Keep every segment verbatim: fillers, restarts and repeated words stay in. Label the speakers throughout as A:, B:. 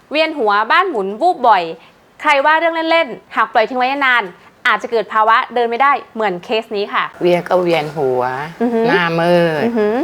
A: เวียนหัวบ้านหมุนวูบบ่อยใครว่าเรื่องเล่นๆหากปล่อยทิ้งไว้นานอาจจะเกิดภาวะเดินไม่ได้เหมือนเคสนี้ค่ะ
B: เวียนก็เวียนหัวหน้ามืด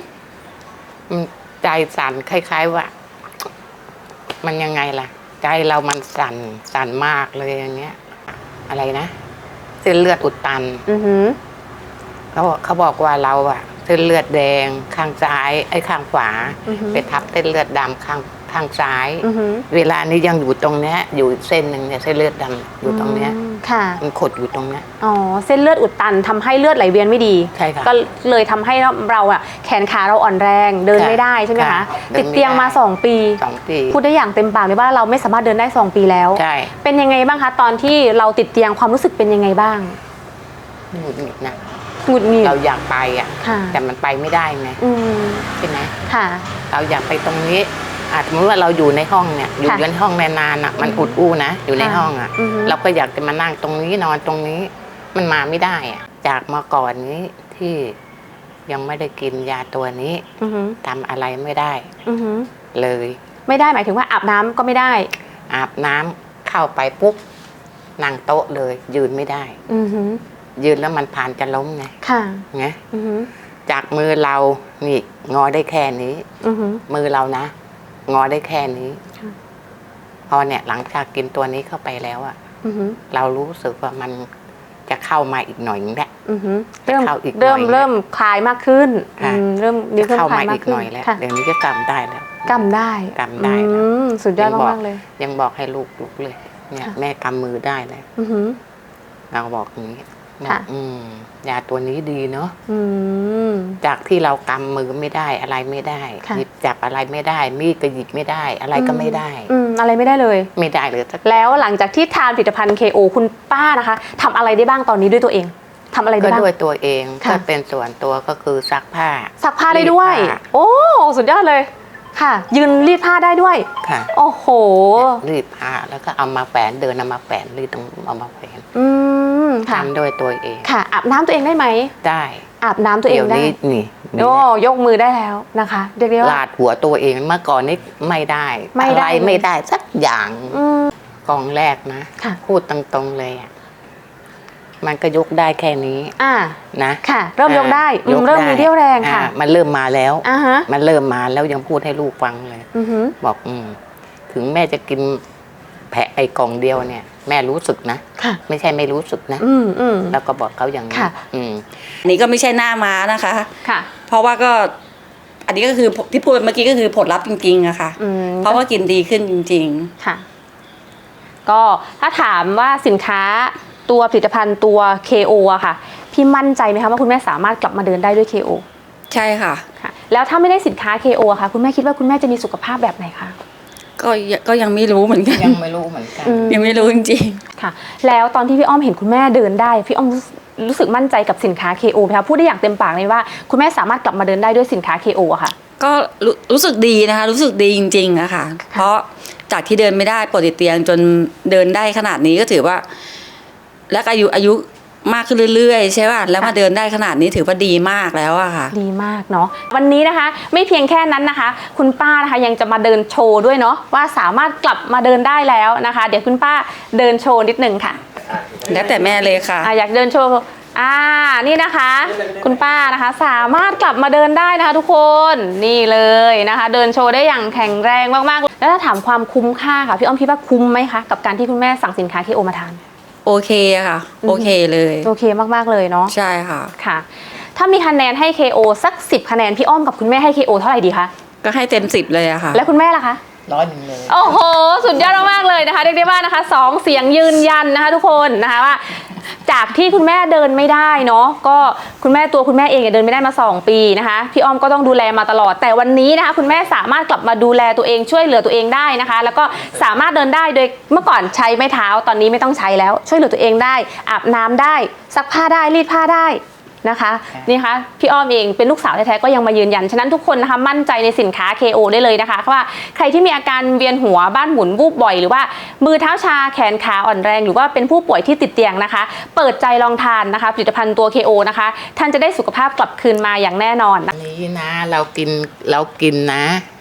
B: ใจสั่นคล้ายๆว่ามันยังไงล่ะใจเรามันสั่นสั่นมากเลยอย่างเงี้ยอะไรนะเส้นเลือดอุดตันเขาเขาบอกว่าเราอะเส้นเลือดแดงข้างซ้ายไอ้ข้างขวาไปทับเส้นเลือดดำข้างข้างซ้ายเวลานี้ยังอยู่ตรงเนี้ยอยู่เส้นหนึ่งเนี่ยเส้นเลือดดำอยู่ตรงเนี้ยมันขดอยู่ตรงเนี้ย
A: อ๋อเส้นเลือดอุดตันทำให้เลือดไหลเวียนไม่ดี
B: ใช่ค่ะ
A: ก็เลยทำให้เราอะแขนขาเราอ่อนแรงเดินไม่ได้ใช่ไหมคะติดเตียงมาสองปี
B: สองปี
A: พูดได้อย่างเต็มปากเลยว่าเราไม่สามารถเดินได้สองปีแล้ว
B: ใช่
A: เป็นยังไงบ้างคะตอนที่เราติดเตียงความรู้สึกเป็นยังไงบ้าง
B: หงุดหงิดนะ
A: หงุดหงิด
B: เราอยากไปอ่ะแต่มันไปไม่ได้ไงใช่ไหม
A: ค่ะ
B: เราอยากไปตรงนี้อาจสมมติว่าเราอยู่ในห้องเนี่ยอยู่ในห้องนานๆอ่ะมันอุดอู้นะอยู่ในห้องอ่ะเราก็อยากจะมานั่งตรงนี้นอนตรงนี้มันมาไม่ได้อ่ะจากเมื่อก่อนนี้ที่ยังไม่ได้กินยาตัวนี้ทำอะไรไม่ได้เลย
A: ไม่ได้หมายถึงว่าอาบน้ำก็ไม่ได้
B: อาบน้ำเข้าไปปุ๊บนั่งโต๊ะเลยยืนไม่ได้ยืนแล้วมันผ่านจะล้มไง
A: ค่ะ
B: ไงจากมือเรานี่งอได้แค่นี้มือเรานะงอได้แค่นี้พอเนี่ยหลังจากกินตัวนี้เข้าไปแล้วอะเรารู้สึกว่ามันจะเข้ามาอีกหน่อยนึงแหละ
A: เริ่มเริ่มเริ่มคลายมากขึ้นเริ่ม
B: จะเข้ามาอีกหน่อยแล้วเดี๋ยวนี้จะกำได้แล้ว
A: กำได้
B: กำได้
A: สุดยอดมากเลย
B: ยังบอกให้ลูกลุกเลยเนี่ยแม่กำมือได้แล้วเราบอกอย่างนี้ยาตัวนี้ดีเนาะจากที่เรากำมือไม่ได้อะไรไม่ได้หยิบจับอะไรไม่ได้มีดก็หยิบไม่ได้อะไรก็ไม่ได้
A: อะไรไม่ได้เลย
B: ไม่ได้เลย
A: แล้วหลังจากที่ทานผลิตภัณฑ์ เค โอ คุณป้านะคะทำอะไรได้บ้างตอนนี้ด้วยตัวเองทำอะไรได้บ้าง
B: ก็ด้วยตัวเองก็เป็นส่วนตัวก็คือซักผ้า
A: ซักผ้าได้ด้วยโอ้สุดยอดเลยค่ะยืนรีดผ้าได้ด้วย
B: ค่ะ
A: โอ้โห
B: รีดผ้าแล้วก็เอามาแฝนเดินเอามาแฝนรีดตรงเอามาแฝน
A: อืม
B: ทำด้วยตัวเอง
A: ค่ะอาบน้ำตัวเองได้ไหม
B: ได้
A: อาบน้ำตัวเองได้
B: นี่
A: โอ้ยกมือได้แล้วนะคะเรียกได้ว่า
B: ลาดหัวตัวเองเมื่อก่อนนี้ไม่ได้อะไรไม่ได้สักอย่างกองแรกนะพูดตรงๆเลยอ่ะมันก็ยกได้แค่นี้
A: อ่า
B: นะ
A: ค่ะเริ่มยกได้เริ่มมีเรี่ยวแรงค่ะ
B: มันเริ่มมาแล้ว
A: อ่าฮะ
B: มันเริ่มมาแล้วยังพูดให้ลูกฟังเลยบอกอืมถึงแม่จะกินแผะไอ้กล่องเดียวเนี่ยแม่รู้สึกนะไม่ใช่ไม่รู้สึกนะแล้วก็บอกเขาอย่างนี้
C: อันนี้ก็ไม่ใช่หน้าม้านะคะ
A: ค่ะ
C: เพราะว่าก็อันนี้ก็คือที่พูดเมื่อกี้ก็คือผลลัพธ์จริงๆอะค่ะเพราะว่ากินดีขึ้นจริง
A: ๆค่ะก็ถ้าถามว่าสินค้าตัวผลิตภัณฑ์ตัว เค โอ อะค่ะพี่มั่นใจไหมคะว่าคุณแม่สามารถกลับมาเดินได้ด้วย เค โอ
C: ใช่ค่ะ
A: ค่ะแล้วถ้าไม่ได้สินค้า เค โอ อะค่ะคุณแม่คิดว่าคุณแม่จะมีสุขภาพแบบไหนคะ
C: ก็ก็ยังไม่รู้เหมือนกัน
B: ยังไม่รู้เหมือนกัน
C: ยังไม่รู้จริง
A: ๆค่ะแล้วตอนที่พี่อ้อมเห็นคุณแม่เดินได้พี่อ้อมรู้สึกมั่นใจกับสินค้า เค โอ ไหมคะพูดได้อย่างเต็มปากเลยว่าคุณแม่สามารถกลับมาเดินได้ด้วยสินค้า เค โอ อะค่ะ
C: ก็รู้สึกดีนะคะรู้สึกดีจริงๆอะค่ะเพราะจากที่เดินไม่ได้ปวดติดเตียงจนเดินได้ขนาดนี้ก็ถือว่าและอายุอายุมากขึ้นเรื่อยๆใช่ป่ะแล้วมาเดินได้ขนาดนี้ถือว่าดีมากแล้วอะค่ะ
A: ดีมากเนาะวันนี้นะคะไม่เพียงแค่นั้นนะคะคุณป้านะคะยังจะมาเดินโชว์ด้วยเนาะว่าสามารถกลับมาเดินได้แล้วนะคะเดี๋ยวคุณป้าเดินโชว์นิดหนึ่งค่ะ
C: แล้วแต่แม่เลยค่ะ
A: อ, อยากเดินโชว์อ่านี่นะคะคุณป้านะคะสามารถกลับมาเดินได้นะคะทุกคนนี่เลยนะคะเดินโชว์ได้อย่างแข็งแรงมากๆแล้วถ้าถามความคุ้มค่าค่ะพี่อ้อมคิดว่าคุ้มไหมคะกับการที่คุณแม่สั่งสินค้า เค โอ มาทาน
C: โอเคค่ะโอเคเลย
A: โอเคมากๆเลยเนาะ
C: ใช่ค่ะ
A: ค่ะถ้ามีคะแนนให้ เค โอ สักสิบคะแนนพี่อ้อมกับคุณแม่ให้ เค โอ เท่าไหร่ดีคะ
C: ก็ให้เต็มสิบเลยอะค่ะ
A: แล้วคุณแม่ล่ะคะ
B: ร้อยหนึ่งเลย
A: โอ้โหสุดยอดมากๆเลยนะคะเรียกได้ว่านะคะสองเสียงยืนยันนะคะทุกคนนะคะว่าจากที่คุณแม่เดินไม่ได้เนาะก็คุณแม่ตัวคุณแม่เองเดินไม่ได้มาสองปีนะคะพี่อ้อมก็ต้องดูแลมาตลอดแต่วันนี้นะคะคุณแม่สามารถกลับมาดูแลตัวเองช่วยเหลือตัวเองได้นะคะแล้วก็สามารถเดินได้โดยเมื่อก่อนใช้ไม้เท้าตอนนี้ไม่ต้องใช้แล้วช่วยเหลือตัวเองได้อาบน้ำได้ซักผ้าได้รีดผ้าได้นะคะนี่ค่ะพี่อ้อมเองเป็นลูกสาวแท้ๆก็ยังมายืนยันฉะนั้นทุกคนนะคะมั่นใจในสินค้า เค โอ ได้เลยนะคะว่าใครที่มีอาการเวียนหัวบ้านหมุนวูบบ่อยหรือว่ามือเท้าชาแขนขาอ่อนแรงหรือว่าเป็นผู้ป่วยที่ติดเตียงนะคะเปิดใจลองทานนะคะผลิตภัณฑ์ตัว เค โอ นะคะท่านจะได้สุขภาพกลับคืนมาอย่างแน่นอน
B: อันนี้นะเรากินเรากินนะ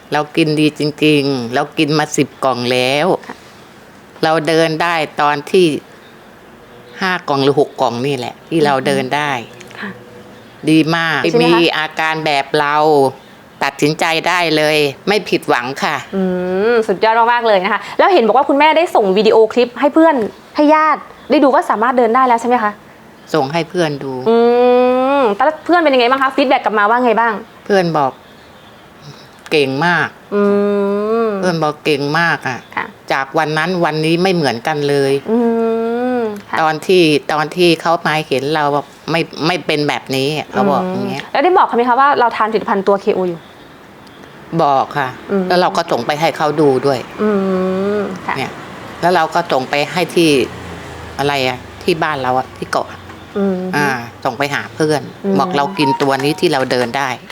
B: เรากินดีจริงๆ เรากินมาสิบกล่องแล้ว เราเดินได้ตอนที่ห้ากล่องหรือหกกล่องนี่แหละ ที่เราเดินได้
A: ค่ะ
B: ดีมาก
A: ใช่ไหมคะ
B: มีอาการแบบเราตัดสินใจได้เลย ไม่ผิดหวังค่ะ
A: อืมสุดยอดมากๆเลยนะคะ แล้วเห็นบอกว่าคุณแม่ได้ส่งวิดีโอคลิปให้เพื่อนให้ญาติได้ดูว่าสามารถเดินได้แล้วใช่ไหมคะ
B: ส่งให้เพื่อนดู
A: อืมแต่แล้วเพื่อนเป็นยังไงบ้างคะฟีดแบ็กกลับมาว่าไงบ้าง
B: เพื่อนบอกเก่งมาก
A: อืม
B: เพื่อนบอกเก่งมากอ่ะ
A: ค่ะ
B: จากวันนั้นวันนี้ไม่เหมือนกันเลย
A: อืมค่ะ
B: ตอนที่ตอนที่เขามาเห็นเราแบบไม่ไม่เป็นแบบนี้เขาบอกอย่างเงี้ย
A: แล้วได้บอกเขาไหมคะว่าเราทานผลิตภัณฑ์ตัว เค โอ อยู่
B: บอกค่ะ
A: อืม
B: แล้วเราก็ส่งไปให้เขาดูด้วย
A: อืมค่ะ
B: เนี่ย แล้วเราก็ส่งไปให้ที่อะไรอะที่บ้านเราอะที่เกาะ
A: อืม
B: อ่าส่งไปหาเพื่อน
A: อืม
B: บอกเรากินตัวนี้ที่เราเดินได้